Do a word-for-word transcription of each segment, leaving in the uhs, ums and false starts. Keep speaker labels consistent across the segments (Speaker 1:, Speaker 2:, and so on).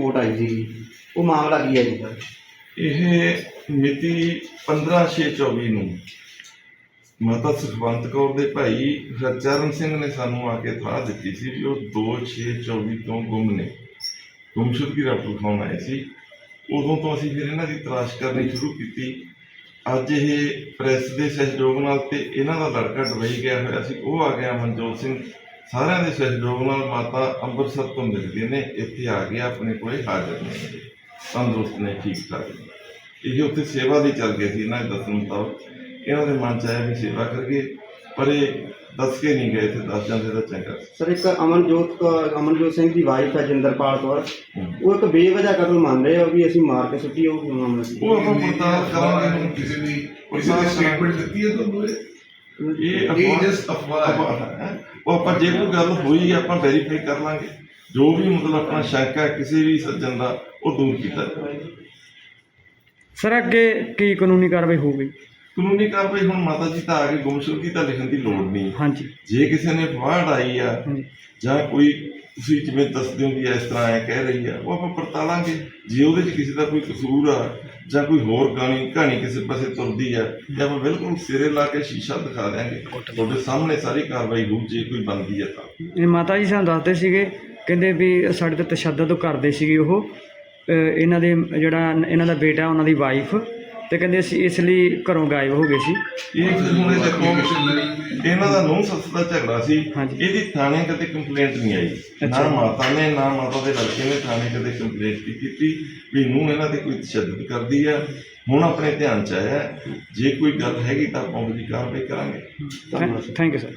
Speaker 1: Report ਆਈ ਸੀ ਉਹ ਮਾਮਲਾ ਕੀ ਹੈ ਜੀ ਸਰ?
Speaker 2: ਇਹ ਮਿਤੀ ਪੰਦਰਾਂ ਛੇ ਚੌਵੀ ਨੂੰ ਮਾਤਾ ਸੁਖਵੰਤ ਕੌਰ ਦੇ ਭਾਈ ਹਰਚਰਨ ਸਿੰਘ ਨੇ ਸਾਨੂੰ ਆ ਕੇ ਇਤਲਾਹ ਦਿੱਤੀ ਸੀ ਵੀ ਉਹ ਦੋ ਛੇ ਚੌਵੀ ਤੋਂ ਗੁੰਮ ਨੇ, ਗੁੰਮਸ਼ੁਦਗੀ ਦਾ ਲਿਖਾਉਣ ਆਏ ਸੀ। ਉਦੋਂ ਤੋਂ ਅਸੀਂ ਫਿਰ ਇਹਨਾਂ ਦੀ ਤਲਾਸ਼ ਕਰਨੀ ਸ਼ੁਰੂ ਕੀਤੀ। ਅੱਜ ਇਹ ਪ੍ਰੈਸ ਦੇ ਸਹਿਯੋਗ ਨਾਲ ਤੇ ਇਹਨਾਂ ਦਾ ਲੜਕਾ ਦੁਬਈ ਗਿਆ ਹੋਇਆ ਸੀ, ਉਹ ਆ ਗਿਆ ਮਨਜੋਤ ਸਿੰਘ, ਸਾਰਿਆਂ ਦੇ ਸਹਿਯੋਗ ਨਾਲ ਮਾਤਾ ਅੰਮ੍ਰਿਤਸਰ ਤੋਂ ਮਿਲਦੇ ਨੇ, ਇੱਥੇ ਆ ਗਿਆ, ਆਪਣੇ ਕੋਲੇ ਹਾਜ਼ਰ ਨੇ, ਤੰਦਰੁਸਤ ਨੇ, ਠੀਕ ਠਾਕ ਨੇ। ਇਹ ਉੱਥੇ ਸੇਵਾ ਦੀ ਚੱਲ ਗਈ ਸੀ ਇਹਨਾਂ ਦੇ ਦੱਸਣ ਮੁਤਾਬਕ। ਇਹਨਾਂ ਦੇ ਮਨ 'ਚ ਆਇਆ ਵੀ ਸੇਵਾ ਕਰੀਏ, ਪਰ ਇਹ ਦੱਸ ਕੇ ਨਹੀਂ ਗਏ, ਇੱਥੇ ਦੱਸ ਜਾਂਦੇ ਤਾਂ ਚੰਗਾ।
Speaker 1: ਸਰ ਇੱਕ ਅਮਨਜੋਤ ਕੌਰ ਅਮਨਜੋਤ ਸਿੰਘ ਦੀ ਵਾਈਫ ਹੈ ਜਿੰਦਰਪਾਲ ਕੌਰ, ਉਹ ਇੱਕ ਬੇਵਜ੍ਹਾ ਕਤਲ ਮੰਨ ਰਹੇ ਹੋ ਵੀ ਅਸੀਂ ਮਾਰ ਕੇ ਸੁੱਟੀ, ਉਹ ਕੀ ਮਾਮਲਾ ਸੀ?
Speaker 2: ਉਹ ਆਪਾਂ ਪੜਤਾਲ ਕਰਾਂਗੇ।
Speaker 3: ਕਿਸੇ ਦੀ ਕਿਸੇ ਦੀ ਸਟੇਟਮੈਂਟ ਦਿੱਤੀ ਹੈ ਤੁਹਾਨੂੰ? ਇਹ ਇਹ ਜਸਟ ਅਫਵਾਹ ਹੈ।
Speaker 2: ਉਹ ਆਪਾਂ ਜੇ ਕੋਈ ਗੱਲ ਹੋਈ ਆਪਾਂ ਵੈਰੀਫਾਈ ਕਰ ਲਾਂਗੇ, ਜੋ ਵੀ ਮਤਲਬ ਆਪਣਾ ਸ਼ੰਕਾ ਕਿਸੇ ਵੀ ਸੱਜਣ ਦਾ ਉਹ ਦੂਰ ਕੀਤਾ ਜਾਵੇਗਾ।
Speaker 4: ਸਰ ਅੱਗੇ ਕੀ ਕਾਨੂੰਨੀ ਕਾਰਵਾਈ ਹੋਊਗੀ?
Speaker 2: ਕਾਨੂੰਨੀ ਕਾਰਵਾਈ ਹੁਣ ਮਾਤਾ ਜੀ ਤਾਂ ਆ ਕੇ ਗੁੰਮਸ਼ੁਦਗੀ ਤਾਂ ਲਿਖਣ ਦੀ ਲੋੜ ਨਹੀਂ।
Speaker 4: ਹਾਂਜੀ,
Speaker 2: ਜੇ ਕਿਸੇ ਨੇ ਫਾੜ ਆਈ ਆ ਜਾਂ ਕੋਈ ਤੁਸੀਂ ਜਿਵੇਂ ਦੱਸਦੇ ਹੋ ਵੀ ਇਸ ਤਰ੍ਹਾਂ ਐ ਕਹਿ ਰਹੀ ਆ, ਉਹ ਆਪਾਂ ਪੜਤਾਲਾਂਗੇ। ਜੇ ਉਹਦੇ 'ਚ ਕਿਸੇ ਦਾ ਕੋਈ ਕਸੂਰ ਆ ਜਾਂ ਕੋਈ ਹੋਰ ਕਹਾਣੀ ਕਹਾਣੀ ਕਿਸੇ ਪਾਸੇ ਤੁਰਦੀ ਆ, ਜਾਂ ਆਪਾਂ ਬਿਲਕੁਲ ਸਿਰੇ ਲਾ ਕੇ ਸ਼ੀਸ਼ਾ ਦਿਖਾ ਦਿਆਂਗੇ, ਤੁਹਾਡੇ ਸਾਹਮਣੇ ਸਾਰੀ ਕਾਰਵਾਈ ਹੋਊ ਜੇ ਕੋਈ ਬਣਦੀ ਆ ਤਾਂ।
Speaker 4: ਇਹ ਮਾਤਾ ਜੀ ਸਾਨੂੰ ਦੱਸਦੇ ਸੀਗੇ, ਕਹਿੰਦੇ ਵੀ ਸਾਡੇ ਤੇ ਤਸ਼ੱਦਦ ਕਰਦੇ ਸੀਗੇ ਉਹ, ਇਹਨਾਂ ਦੇ ਜਿਹੜਾ ਇਹਨਾਂ ਦਾ ਬੇਟਾ ਉਹਨਾਂ ਦੀ ਵਾਈਫ, ਤੇ ਕਹਿੰਦੇ ਅਸੀਂ ਇਸ ਲਈ ਘਰੋਂ ਗਾਇਬ ਹੋ ਗਏ ਸੀ।
Speaker 2: ਇਹ ਹੁਣ ਇਹ ਦੇਖੋ ਇਹਨਾਂ ਦਾ ਨੂੰਹ ਸੱਸ ਦਾ ਝਗੜਾ ਸੀ,
Speaker 4: ਹਾਂਜੀ।
Speaker 2: ਇਹਦੀ ਥਾਣੇ ਕਦੇ ਕੰਪਲੇਂਟ ਨਹੀਂ ਆਈ, ਨਾ ਮਾਤਾ ਨੇ ਨਾ ਮਾਤਾ ਦੇ ਲੜਕੇ ਨੇ ਥਾਣੇ ਕਦੇ ਕੰਪਲੇਂਟ ਨਹੀਂ ਕੀਤੀ ਵੀ ਨੂੰਹ ਇਹਨਾਂ ਤੇ ਕੋਈ ਤਸ਼ੱਦਦ ਕਰਦੀ ਆ। ਹੁਣ ਆਪਣੇ ਧਿਆਨ 'ਚ ਆਇਆ, ਜੇ ਕੋਈ ਗੱਲ ਹੈਗੀ ਤਾਂ ਆਪਾਂ ਉਹਦੀ ਕਾਰਵਾਈ ਕਰਾਂਗੇ। ਧੰਨਵਾਦ।
Speaker 4: Thank you sir.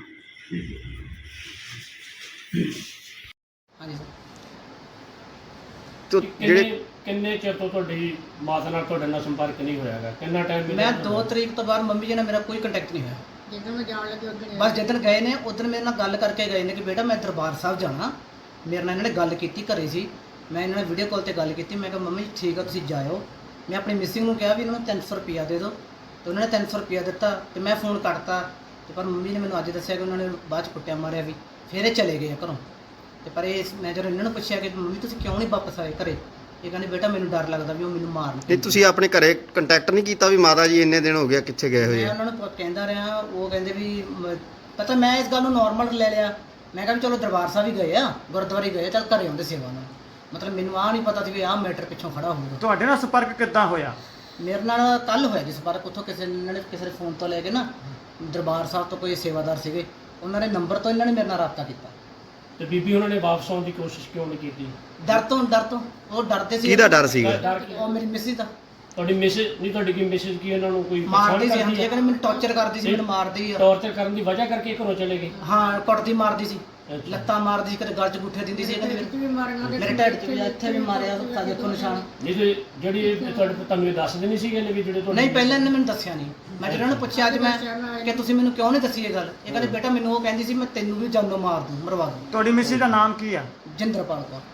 Speaker 5: ਹਾਂਜੀ ਸਰ।
Speaker 6: ਤੋ ਜਿਹੜੇ
Speaker 7: ਕਿੰਨੇ ਚਿਰ ਤੋਂ ਤੁਹਾਡੀ ਮਾਤਾ ਨਾਲ ਤੁਹਾਡੇ ਨਾਲ ਸੰਪਰਕ ਨਹੀਂ ਹੋਇਆਗਾ? ਕਿੰਨਾ ਟਾਈਮ?
Speaker 5: ਮੈਂ ਦੋ ਤਰੀਕ ਤੋਂ ਬਾਅਦ ਮੰਮੀ ਜੀ ਨਾਲ ਮੇਰਾ ਕੋਈ ਕੰਟੈਕਟ ਨਹੀਂ ਹੋਇਆ।
Speaker 8: ਜਿੱਦਣ ਮੈਂ ਜਾਣ ਲੱਗੀ ਉਦੋਂ
Speaker 5: ਬਸ ਜਿੱਦਣ ਗਏ ਨੇ ਉਦੋਂ ਮੇਰੇ ਨਾਲ ਗੱਲ ਕਰਕੇ ਗਏ ਨੇ ਕਿ ਬੇਟਾ ਮੈਂ ਦਰਬਾਰ ਸਾਹਿਬ ਜਾਣਾ। ਮੇਰੇ ਨਾਲ ਇਹਨਾਂ ਨੇ ਗੱਲ ਕੀਤੀ, ਘਰੇ ਸੀ, ਮੈਂ ਇਹਨਾਂ ਨਾਲ ਵੀਡੀਓ ਕਾਲ ਤੇ ਗੱਲ ਕੀਤੀ। ਮੈਂ ਕਿਹਾ ਮੰਮੀ ਠੀਕ ਆ ਤੁਸੀਂ ਜਾਇਓ। ਮੈਂ ਆਪਣੀ ਮਿਸਿੰਗ ਨੂੰ ਕਿਹਾ ਵੀ ਇਹਨਾਂ ਨੂੰ ਤਿੰਨ ਸੌ ਰੁਪਇਆ ਦੇ ਦਿਓ, ਤੇ ਉਹਨਾਂ ਨੇ ਤਿੰਨ ਸੌ ਰੁਪਇਆ ਦਿੱਤਾ ਤੇ ਮੈਂ ਫੋਨ ਕੱਟਤਾ। ਤੇ ਪਰ ਮੰਮੀ ਨੇ ਮੈਨੂੰ ਅੱਜ ਦੱਸਿਆ ਕਿ ਉਹਨਾਂ ਨੇ ਬਾਅਦ 'ਚ ਕੁੱਟਿਆ ਮਾਰਿਆ ਵੀ, ਫਿਰ ਇਹ ਚਲੇ ਗਏ ਆ ਘਰੋਂ। ਤੇ ਪਰ ਇਹ ਮੈਂ ਜਦੋਂ ਇਹਨਾਂ ਨੂੰ ਪੁੱਛਿਆ ਕਿ ਮੰਮੀ ਤੁਸੀਂ ਕਿਉਂ ਨਹੀਂ ਵਾਪਸ ਆਏ ਘਰੇ, ਇਹ ਕਹਿੰਦੇ ਬੇਟਾ ਮੈਨੂੰ ਡਰ ਲੱਗਦਾ ਵੀ ਉਹ ਮੈਨੂੰ ਮਾਰਨ।
Speaker 6: ਇਹ ਤੁਸੀਂ ਆਪਣੇ ਘਰੇ ਕੰਟੈਕਟ ਨਹੀਂ ਕੀਤਾ ਵੀ ਮਾਤਾ ਜੀ ਇੰਨੇ ਦਿਨ ਹੋ ਗਿਆ ਕਿੱਥੇ ਗਏ ਹੋਏ
Speaker 5: ਮੈਂ
Speaker 6: ਆ?
Speaker 5: ਉਹਨਾਂ ਨੂੰ ਪ- ਕਹਿੰਦਾ ਰਿਹਾ, ਉਹ ਕਹਿੰਦੇ ਵੀ ਮ- ਪਤਾ ਮੈਂ ਇਸ ਗੱਲ ਨੂੰ ਨਾਰਮਲ ਲੈ ਲਿਆ। ਮੈਂ ਕਿਹਾ ਵੀ ਚਲੋ ਦਰਬਾਰ ਸਾਹਿਬ ਹੀ ਗਏ ਆ, ਗੁਰਦੁਆਰੇ ਗਏ, ਚੱਲ ਘਰੇ ਆਉਂਦੇ ਸੇਵਾ ਨਾਲ। ਮਤਲਬ ਮੈਨੂੰ ਆਹ ਨਹੀਂ ਪਤਾ ਸੀ ਵੀ ਆਹ ਮੈਟਰ ਪਿੱਛੋਂ ਖੜਾ ਹੋਊਗਾ।
Speaker 4: ਤੁਹਾਡੇ ਨਾਲ ਸੰਪਰਕ ਕਿੱਦਾਂ ਹੋਇਆ?
Speaker 5: ਮੇਰੇ ਨਾਲ ਕੱਲ ਹੋਇਆ ਜੀ ਸੰਪਰਕ, ਉੱਥੋਂ ਕਿਸੇ ਨੇ ਇਹਨਾਂ ਨੇ ਕਿਸੇ ਦੇ ਫੋਨ ਤੋਂ ਲੈ ਕੇ ਨਾ ਦਰਬਾਰ ਸਾਹਿਬ ਤੋਂ ਕੋਈ ਸੇਵਾਦਾਰ ਸੀਗੇ, ਉਹਨਾਂ ਨੇ ਨੰਬਰ ਤੋਂ ਇਹਨਾਂ ਨੇ ਮੇਰੇ ਨਾਲ ਰਾਬਤਾ ਕੀਤਾ।
Speaker 7: ਤੇ ਬੀਬੀ ਉਹਨਾਂ ਨੇ ਵਾਪਸ ਆਉਣ ਦੀ ਕੋਸ਼ਿਸ਼ ਕਿਉਂ ਨਹੀਂ ਕੀਤੀ?
Speaker 5: ਡਰ ਤੋਂ ਡਰ ਤੋਂ ਉਹ ਡਰਦੇ ਸੀ।
Speaker 6: ਕਿਹਦਾ ਡਰ ਸੀਗਾ?
Speaker 7: ਡਰ ਕੀ?
Speaker 5: ਉਹ ਮੇਰੀ ਮਿਸਿਸ ਦਾ
Speaker 7: ਤੁਹਾਡੀ ਮੈਸੇਜ ਨਹੀਂ, ਤੁਹਾਡੀ ਕੀ ਮੈਸੇਜ ਕੀ ਉਹਨਾਂ ਨੂੰ ਕੋਈ
Speaker 5: ਮਾਰਦੀ ਸੀ।
Speaker 7: ਪਛਾਣ
Speaker 5: ਹਾਂਜੀ,
Speaker 7: ਕਰਦੀ
Speaker 5: ਇਹ ਕਹਿੰਦੇ ਮੈਨੂੰ ਟੌਰਚਰ ਕਰਦੀ ਸੀ, ਮੈਨੂੰ ਮਾਰਦੀ ਆ।
Speaker 7: ਟੌਰਚਰ ਕਰਨ ਦੀ ਵਜ੍ਹਾ ਕਰਕੇ ਘਰੋਂ ਚਲੇ ਗਏ?
Speaker 5: ਹਾਂ, ਕੁੱਟਦੀ ਮਾਰਦੀ ਸੀ,
Speaker 7: ਅੱਛਾ।
Speaker 5: ਲੱਤਾਂ ਮਾਰਦੀ ਸੀ, ਕਦੇ ਗਲ 'ਚ ਗੁੱਠੇ ਦਿੰਦੀ ਸੀ। ਇਹ ਕਹਿੰਦੇ
Speaker 8: ਵੀ ਮਾਰਨ ਲੱਗੇ
Speaker 5: ਮੇਰੇ ਢਿੱਡ 'ਚ ਵੀ ਇੱਥੇ ਵੀ ਮਾਰਿਆ, ਤਾਂ ਦੇਖੋ ਨਿਸ਼ਾਨ।
Speaker 7: ਨਹੀਂ ਤੇ ਜਿਹੜੀ ਇਹ ਤੁਹਾਡੇ ਤੁਹਾਨੂੰ ਇਹ ਦੱਸਦੇ ਨਹੀਂ ਸੀਗੇ ਵੀ ਜਿਹੜੇ ਤੁਹਾਡੇ?
Speaker 5: ਨਹੀਂ, ਪਹਿਲਾਂ ਇਹਨੇ ਮੈਨੂੰ ਦੱਸਿਆ ਨਹੀਂ। ਮੈਂ ਜਦੋਂ ਉਹਨੂੰ ਪੁੱਛਿਆ ਅੱਜ ਮੈਂ ਕਿ ਤੁਸੀਂ ਮੈਨੂੰ ਕਿਉਂ ਨਹੀਂ ਦੱਸੀ ਇਹ ਗੱਲ, ਇਹ ਕਹਿੰਦੇ ਬੇਟਾ ਮੈਨੂੰ ਉਹ ਕਹਿੰਦੀ ਸੀ ਮੈਂ ਤੈਨੂੰ ਵੀ ਜਾਨੋਂ ਮਾਰ ਦੂੰ, ਮਰਵਾ ਦੂੰ।
Speaker 4: ਤੁਹਾਡੀ ਮਿਸਿਸ ਦਾ ਨਾਮ ਕੀ ਆ?
Speaker 5: ਜਿੰਦਰਪਾਲ ਕੌਰ।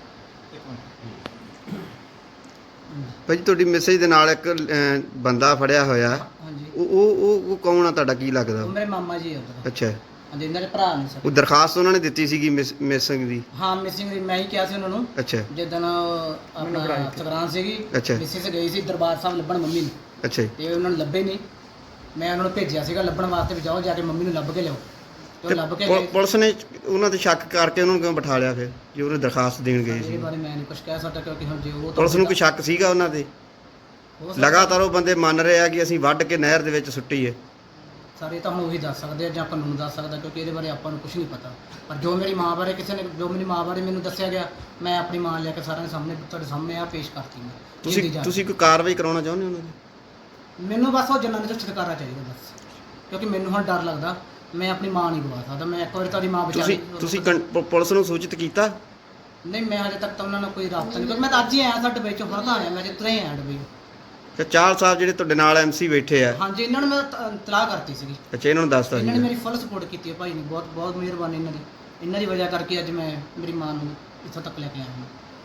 Speaker 6: ਭਾਜੀ ਤੁਹਾਡੀ ਮੈਸੇਜ ਦੇ ਨਾਲ ਇੱਕ ਅਹ, ਬੰਦਾ ਫੜਿਆ ਹੋਇਆ,
Speaker 5: ਹਾਂਜੀ,
Speaker 6: ਉਹ ਉਹ ਉਹ ਉਹ ਕੌਣ ਆ ਤੁਹਾਡਾ, ਕੀ ਲੱਗਦਾ?
Speaker 5: ਉਹ ਮੇਰੇ ਮਾਮਾ ਜੀ ਆ ਉੱਧਰ।
Speaker 6: ਅੱਛਾ,
Speaker 5: ਹਾਂਜੀ, ਇਹਨਾਂ ਦੇ ਭਰਾ ਨੇ ਸਰ।
Speaker 6: ਉਹ ਦਰਖਾਸਤ ਉਹਨਾਂ ਨੇ ਦਿੱਤੀ ਸੀਗੀ ਮਿਸਿੰਗ ਦੀ?
Speaker 5: ਹਾਂ, ਮਿਸਿੰਗ ਦੀ ਮੈਂ ਹੀ ਕਿਹਾ ਸੀ ਉਹਨਾਂ ਨੂੰ।
Speaker 6: ਅੱਛਾ
Speaker 5: ਜਿੱਦਣ ਆਪਣਾ ਸੰਗਰਾਂਦ ਸੀਗੀ,
Speaker 6: ਅੱਛਾ।
Speaker 5: ਮਿਸਿਸ ਗਈ ਸੀ ਦਰਬਾਰ ਸਾਹਿਬ ਲੱਭਣ ਮੰਮੀ ਨੂੰ,
Speaker 6: ਅੱਛਾ ਜੀ।
Speaker 5: ਤੇ ਉਹਨਾਂ ਨੂੰ ਲੱਭੇ ਨਹੀਂ। ਮੈਂ ਉਹਨਾਂ ਨੂੰ ਭੇਜਿਆ ਸੀਗਾ ਲੱਭਣ ਵਾਸਤੇ ਵੀ ਜਾਓ ਜਾ ਕੇ ਮੰਮੀ ਨੂੰ ਲੱਭ ਕੇ ਲਿਆਓ, ਤੇ ਉਹ
Speaker 6: ਤੇ
Speaker 5: ਲੱਭ ਕੇ
Speaker 6: ਪੁ-
Speaker 5: ਗਏ।
Speaker 6: ਪੁਲਿਸ ਨੇ ਉਹਨਾਂ ਤੇ ਸ਼ੱਕ ਕਰਕੇ ਉਹਨਾਂ ਨੂੰ ਕਿਉਂ ਬਿਠਾ ਲਿਆ ਫਿਰ, ਜੇ ਉਹਨੇ ਦਰਖਾਸਤ ਦੇਣ ਗਏ
Speaker 5: ਇਹਦੇ
Speaker 6: ਸੀ?
Speaker 5: ਬਾਰੇ ਮੈਂ ਨਹੀਂ ਕੁਝ ਕਹਿ ਸਕਦਾ ਕਿਉਂਕਿ ਹੁਣ ਜੇ ਉਹ
Speaker 6: ਪੁਲਿਸ ਨੂੰ ਕੋਈ ਸ਼ੱਕ ਸੀਗਾ ਉਹਨਾਂ ਤੇ?
Speaker 5: ਹੋ ਸਕਦਾ-
Speaker 6: ਲਗਾਤਾਰ ਉਹ ਬੰਦੇ ਮੰਨ ਰਹੇ ਆ ਕਿ ਅਸੀਂ ਵੱਢ ਕੇ ਨਹਿਰ ਦੇ ਵਿੱਚ ਸੁੱਟੀ ਹੈ।
Speaker 5: ਸਾਰੇ ਤਾਂ ਹੁਣ ਉਹੀ ਦੱਸ ਸਕਦੇ ਆ ਜਾਂ ਕਾਨੂੰਨ ਦੱਸ ਸਕਦਾ, ਕਿਉਂਕਿ ਇਹਦੇ ਬਾਰੇ ਆਪਾਂ ਨੂੰ ਕੁਝ ਨਹੀਂ ਪਤਾ। ਪਰ ਜੋ ਮੇਰੀ ਮਾਂ ਬਾਰੇ ਕਿਸੇ ਨੇ ਜੋ ਮੇਰੀ ਮਾਂ ਬਾਰੇ ਮੈਨੂੰ ਦੱਸਿਆ ਗਿਆ, ਮੈਂ ਆਪਣੀ ਮਾਂ ਲੈ ਕੇ ਸਾਰਿਆਂ ਦੇ ਸਾਹਮਣੇ ਤੁਹਾਡੇ ਸਾਹਮਣੇ ਆ ਪੇਸ਼ ਕਰਤੀ ਮੈਂ।
Speaker 6: ਤੁਸੀਂ
Speaker 5: ਇਹਦੀ ਜਾਂਚ।
Speaker 6: ਤੁਸੀਂ ਕੋਈ ਕਾਰਵਾਈ ਕਰਾਉਣਾ ਚਾਹੁੰਦੇ ਹੋ ਉਹਨਾਂ ਦੀ?
Speaker 5: ਮੈਨੂੰ ਬਸ ਉਹ ਜਨਾਨੀ ਤੋਂ ਛੁਟਕਾਰਾ ਚਾਹੀਦਾ ਬਸ, ਕਿਉਂਕਿ ਮੈਨੂੰ ਹੁਣ ਡਰ ਲੱਗਦਾ। ਮੈਂ ਆਪਣੀ ਮਾਂ ਨਹੀਂ ਗਵਾ ਸਕਦਾ। ਮੈਂ ਇੱਕ ਵਾਰੀ ਤੁਹਾਡੀ ਮਾਂ
Speaker 6: ਤੁਸੀਂ
Speaker 5: ਵਿਚਾਰੀ
Speaker 6: ਤੁਸੀਂ ਕੰ- ਪੁ- ਪੁਲਿਸ ਨੂੰ ਸੂਚਿਤ ਕੀਤਾ?
Speaker 5: ਨਹੀਂ, ਮੈਂ ਹਜੇ ਤੱਕ ਤਾਂ ਉਹਨਾਂ ਨਾਲ ਕੋਈ ਰਾਬਤਾ ਨਹੀਂ, ਕਿਉਂਕਿ ਮੈਂ ਤਾਂ ਅੱਜ ਹੀ ਆਇਆ ਸਾਡੇ ਵਿੱਚ ਹਰਦਾ ਆਇਆ, ਮੈਂ ਜਿੱਤਰੇ ਹੀ ਆਇਆ ਡਬਈ।
Speaker 6: ਤੇ ਚਾਲ ਸਾਹਿਬ ਜਿਹੜੇ ਤੁਹਾਡੇ ਨਾਲ ਐਮਸੀ ਬੈਠੇ ਆ,
Speaker 5: ਹਾਂਜੀ, ਇਹਨਾਂ ਨੂੰ ਮੈਂ ਤ- ਤਲਾਹ ਕਰਤੀ ਸੀਗੀ।
Speaker 6: ਅੱਛਾ, ਇਹਨਾਂ ਨੂੰ ਦੱਸਤਾ
Speaker 5: ਇਹਨਾਂ ਨੇ
Speaker 6: ਸੀ?
Speaker 5: ਮੇਰੀ ਫੁੱਲ ਸਪੋਰਟ ਕੀਤੀ ਹੈ ਭਾਈ ਨੇ, ਬਹੁਤ ਬਹੁਤ ਮਿਹਰਬਾਨੀ ਇਹਨਾਂ ਦੀ। ਇਹਨਾਂ ਦੀ ਵਜ੍ਹਾ ਕਰਕੇ ਅੱਜ ਮੈਂ ਮੇਰੀ ਮਾਂ ਨੂੰ ਇੱਥੋਂ ਤੱਕ ਲੈ ਕੇ ਆਇਆ ਹਾਂ।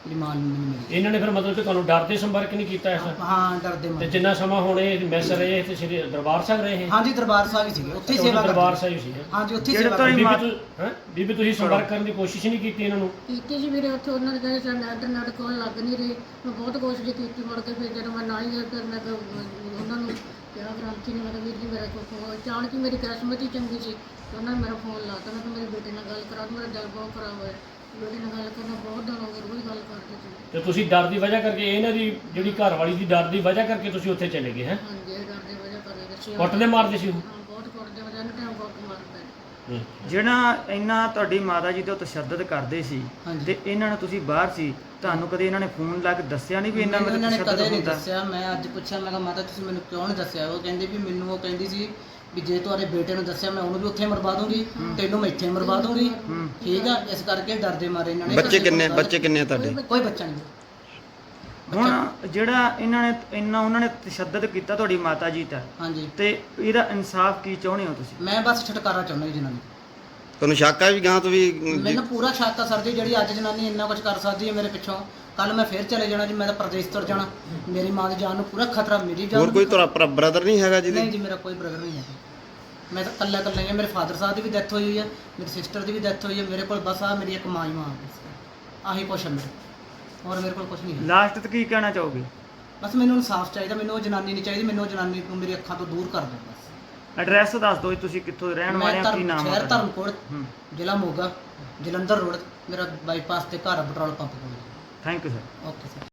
Speaker 5: ਮੇਰੀ ਮਾਂ ਨੂੰ ਨਹੀਂ ਮਿਲੀ।
Speaker 7: ਇਹਨਾਂ ਨੇ ਫਿਰ ਮਤਲਬ ਕਿ ਤੁਹਾਨੂੰ ਡਰ ਦੇ ਸੰਪਰਕ ਨਹੀਂ ਕੀਤਾ ਇਸ
Speaker 5: ਹਾਂ ਡਰਦੇ
Speaker 7: ਤੇ
Speaker 5: ਮਾਰੇ।
Speaker 7: ਜਿੰਨਾ ਸਮਾਂ ਹੁਣ ਇਹ ਮੈਸ ਰਹੇ ਤੇ ਸ੍ਰੀ ਦਰਬਾਰ ਸਾਹਿਬ ਰਹੇ ਇਹ
Speaker 5: ਹਾਂਜੀ ਦਰਬਾਰ ਸਾਹਿਬ ਹੀ ਸੀਗੇ, ਉੱਥੇ ਹੀ
Speaker 7: ਉਦੋਂ
Speaker 5: ਸੇਵਾ
Speaker 7: ਦਰਬਾਰ
Speaker 5: ਕਰਦੇ।
Speaker 7: ਸਾਹਿਬ ਸੀ ਹੈਂ?
Speaker 5: ਹਾਂਜੀ ਉੱਥੇ ਹੀ
Speaker 4: ਜਿਹੜਾ
Speaker 5: ਸੇਵਾ
Speaker 4: ਤਾਂ
Speaker 5: ਕਰਦੇ।
Speaker 7: ਬੀਬੀ
Speaker 4: ਮਾਤ-
Speaker 7: ਤੁਸੀਂ ਹੈਂ? ਬੀਬੀ ਤੁਸੀਂ ਸੰਪਰਕ ਕਰਨ ਦੀ ਕੋਸ਼ਿਸ਼ ਨਹੀਂ ਕੀਤੀ ਇਹਨਾਂ ਨੂੰ?
Speaker 8: ਕੀਤੀ ਸੀ ਵੀਰੇ, ਉੱਥੇ ਉਹਨਾਂ ਦੇ ਕਹਿੰਦੇ ਸਾਡਾ ਇੰਟਰਨੈਟ ਕੋਲ ਲੱਗ ਨਹੀਂ ਰਹੀ। ਮੈਂ ਬਹੁਤ ਕੋਸ਼ਿਸ਼ ਕੀਤੀ, ਮੁੜ ਕੇ ਫਿਰ ਜਦੋਂ ਮੈਂ ਨਾ ਹੀ ਗਈ ਫਿਰ ਮੈਂ ਕਿਹਾ ਉਹਨਾਂ ਨੂੰ ਕਿਹਾ ਗ੍ਰਾਂਤੀ ਨੇ, ਮੈਂ ਕਿਹਾ ਵੀਰ ਜੀ ਮੇਰਾ ਕੋਈ ਫੋਨ ਅਚਾਨਕ ਹੀ ਮੇਰੀ ਕਿਸਮਤ ਹੀ ਚੰਗੀ ਸੀ ਤੇ ਉਹਨਾਂ ਨੇ ਮੇਰਾ ਫੋਨ ਲਾਤਾ। ਮੈਂ ਕਿਹਾ ਮੇਰੇ ਬੇਟੇ ਨਾਲ ਗੱਲ ਕਰਾ ਦਿਓ, ਮੇਰਾ ਦਿਲ ਬਹੁਤ ਖਰਾਬ ਹੋਇਆ। ਬੇਟੇ ਨਾਲ ਗੱਲ ਕਰਨਾ ਬਹੁਤ ਦਿਨ ਹੋ ਗਏ, ਰੋਜ਼ ਗੱਲ ਕਰਦੇ ਸੀ।
Speaker 7: ਤੇ ਤੁਸੀਂ ਡਰ ਦੀ ਵਜ੍ਹਾ ਕਰਕੇ ਇਹਨਾਂ ਦੀ ਜਿਹੜੀ ਘਰ ਵਾਲੀ ਦੀ ਡਰ ਦੀ ਵਜ੍ਹਾ ਕਰਕੇ ਤੁਸੀਂ ਉੱਥੇ ਚਲੇ ਗਏ ਹੈ?
Speaker 8: ਹਾਂਜੀ ਇਹ ਡਰ ਦੀ ਵਜ੍ਹਾ ਕਰਕੇ ਦੱਸਿਆ।
Speaker 7: ਕੁੱਟਦੇ ਮਾਰਦੇ ਸੀ ਉਹ?
Speaker 8: ਹਾਂ ਬਹੁਤ ਕੁੱਟਦੇ ਵਜ੍ਹਾ ਨੇ ਟਾਈਮ ਬਹੁਤ ਮਾਰਦਾ।
Speaker 4: ਜਿਹੜਾ ਇੰਨਾ ਤੁਹਾਡੀ ਮਾਤਾ ਜੀ ਤੋਂ ਤਸ਼ੱਦਦ ਕਰਦੇ ਸੀ
Speaker 5: ਹਾਂਜੀ।
Speaker 4: ਤੇ ਇਹਨਾਂ ਨੂੰ ਤੁਸੀਂ ਬਾਹਰ ਸੀ, ਤੁਹਾਨੂੰ ਕਦੇ ਇਹਨਾਂ ਨੇ ਫੋਨ ਲਾ ਕੇ ਦੱਸਿਆ ਨਹੀਂ ਵੀ ਇਹਨਾਂ
Speaker 5: ਮੈਨੂੰ
Speaker 4: ਮੇਰੇ
Speaker 5: ਇਹਨਾਂ ਨੇ
Speaker 4: ਤਸ਼ੱਦਦ
Speaker 5: ਕਦੇ ਨਹੀਂ
Speaker 4: ਹੁੰਦਾ?
Speaker 5: ਦੱਸਿਆ। ਮੈਂ ਅੱਜ ਪੁੱਛਿਆ, ਮੈਂ ਕਿਹਾ ਮਾਤਾ ਤੁਸੀਂ ਮੈਨੂੰ ਕਿਉਂ ਨਹੀਂ ਦੱਸਿਆ? ਉਹ ਕਹਿੰਦੇ ਵੀ ਮੈਨੂੰ ਉਹ ਕਹਿੰਦੀ ਸੀ ਵੀ ਜੇ ਤੁਹਾਡੇ ਬੇਟੇ ਨੂੰ ਦੱਸਿਆ ਮੈਂ ਉਹਨੂੰ ਵੀ ਉੱਥੇ ਮਰਵਾ ਦੂੰਗੀ, ਤੈਨੂੰ ਮੈਂ ਇੱਥੇ ਮਰਵਾ ਦੂੰਗੀ। ਠੀਕ ਆ, ਇਸ ਕਰਕੇ ਡਰਦੇ ਮਾਰੇ ਇਹਨਾਂ ਨੇ।
Speaker 6: ਬੱਚੇ ਕਿੰਨੇ ਬੱਚੇ ਕਿੰਨੇ ਆ ਤੁਹਾਡੇ?
Speaker 5: ਕੋਈ ਬੱਚਾ ਨਹੀਂ।
Speaker 4: ਹੁਣ ਜਿਹੜਾ ਇਹਨਾਂ ਨੇ ਇੰਨਾ ਉਹਨਾਂ ਨੇ ਤਸ਼ੱਦਦ ਕੀਤਾ ਤੁਹਾਡੀ ਮਾਤਾ ਜੀ ਤੇ
Speaker 5: ਹਾਂਜੀ
Speaker 4: ਤੇ ਇਹਦਾ ਇਨਸਾਫ ਕੀ ਚਾਹੁੰਦੇ ਹੋ ਤੁਸੀਂ?
Speaker 5: ਮੈਂ ਬਸ ਛੁਟਕਾਰਾ ਚਾਹੁੰਦਾ ਜੀ ਜਨਾਨੀ।
Speaker 6: ਤੁਹਾਨੂੰ ਸ਼ੱਕ ਆ ਵੀ ਗਾਂ ਤੋਂ ਵੀ
Speaker 5: ਮੈਨੂੰ ਪੂਰਾ ਸ਼ੱਕ ਆ ਸਰ ਜੀ, ਜਿਹੜੀ ਅੱਜ ਜਨਾਨੀ ਇੰਨਾ ਕੁਝ ਕਰ ਸਕਦੀ ਹੈ ਮੇਰੇ ਪਿੱਛੋਂ, ਕੱਲ ਮੈਂ ਫੇਰ ਚਲੇ ਜਾਣਾ ਜੀ। ਮੈਂ ਤਾਂ ਪ੍ਰਦੇਸ਼ ਤੁਰ ਜਾਣਾ। ਮੇਰੀ ਮਾਂ ਦੀ ਜਾਨ ਨੂੰ ਪੂਰਾ ਖਤਰਾ, ਮੇਰੀ ਜਾਨ
Speaker 6: ਹੋਰ
Speaker 5: ਨੂੰ
Speaker 6: ਕੋਈ
Speaker 5: ਵੀ
Speaker 6: ਤੁਹਾਡਾ ਬ੍ਰਦਰ ਨਹੀਂ ਹੈਗਾ ਜਿਹਦੀ?
Speaker 5: ਨਹੀਂ ਜੀ, ਮੇਰਾ ਕੋਈ ਬ੍ਰਦਰ ਨਹੀਂ ਹੈ। ਮੈਂ ਤਾਂ ਇਕੱਲਾ ਇਕੱਲਾ ਹੀ ਹਾਂ। ਮੇਰੇ ਫਾਦਰ ਸਾਹਿਬ ਦੀ ਵੀ ਡੈਥ ਹੋਈ ਹੋਈ ਹੈ, ਮੇਰੀ ਸਿਸਟਰ ਦੀ ਵੀ ਡੈਥ ਹੋਈ ਹੈ। ਮੇਰੇ ਕੋਲ ਬਸ ਆ ਮੇਰੀ ਇੱਕ ਮਾਂ ਹੀ ਮਾਂ ਬਸ। ਆਹੀ ਕੁਛ ਹੈ ਮੇਰੇ, ਹੋਰ ਮੇਰੇ ਕੋਲ ਕੁਛ ਨਹੀਂ ਹੈ।
Speaker 4: ਲਾਸਟ ਤੇ ਕੀ ਕਹਿਣਾ ਚਾਹੋਗੇ?
Speaker 5: ਬਸ ਮੈਨੂੰ ਇਨਸਾਫ ਚਾਹੀਦਾ, ਮੈਨੂੰ ਉਹ ਜਨਾਨੀ ਨਹੀਂ ਚਾਹੀਦੀ। ਮੈਨੂੰ ਉਹ ਜਨਾਨੀ ਨੂੰ ਮੇਰੀ ਅੱਖਾਂ ਤੋਂ ਦੂਰ ਕਰ ਦਿਓ ਬਸ।
Speaker 4: ਐਡਰੈਸ ਦੱਸ ਦਿਓ ਜੀ, ਤੁਸੀਂ ਕਿੱਥੋਂ ਦੇ ਰਹਿਣ ਵਾਲੇ
Speaker 5: ਮੈਂ
Speaker 4: ਆ, ਕੀ
Speaker 5: ਧਰਮ
Speaker 4: ਨਾਮ
Speaker 5: ਸ਼ਹਿਰ
Speaker 4: ਹੈ?
Speaker 5: ਧਰਮਕੋਟ,
Speaker 4: ਹੂੰ,
Speaker 5: ਜ਼ਿਲ੍ਹਾ ਮੋਗਾ, ਜਲੰਧਰ ਰੋਡ। ਮੇਰਾ ਬਾਈਪਾਸ ਤੇ ਘਰ ਆ, ਪੈਟਰੋਲ ਪੰਪ ਕੋਲ।
Speaker 4: Thank you sir.
Speaker 5: Okay sir.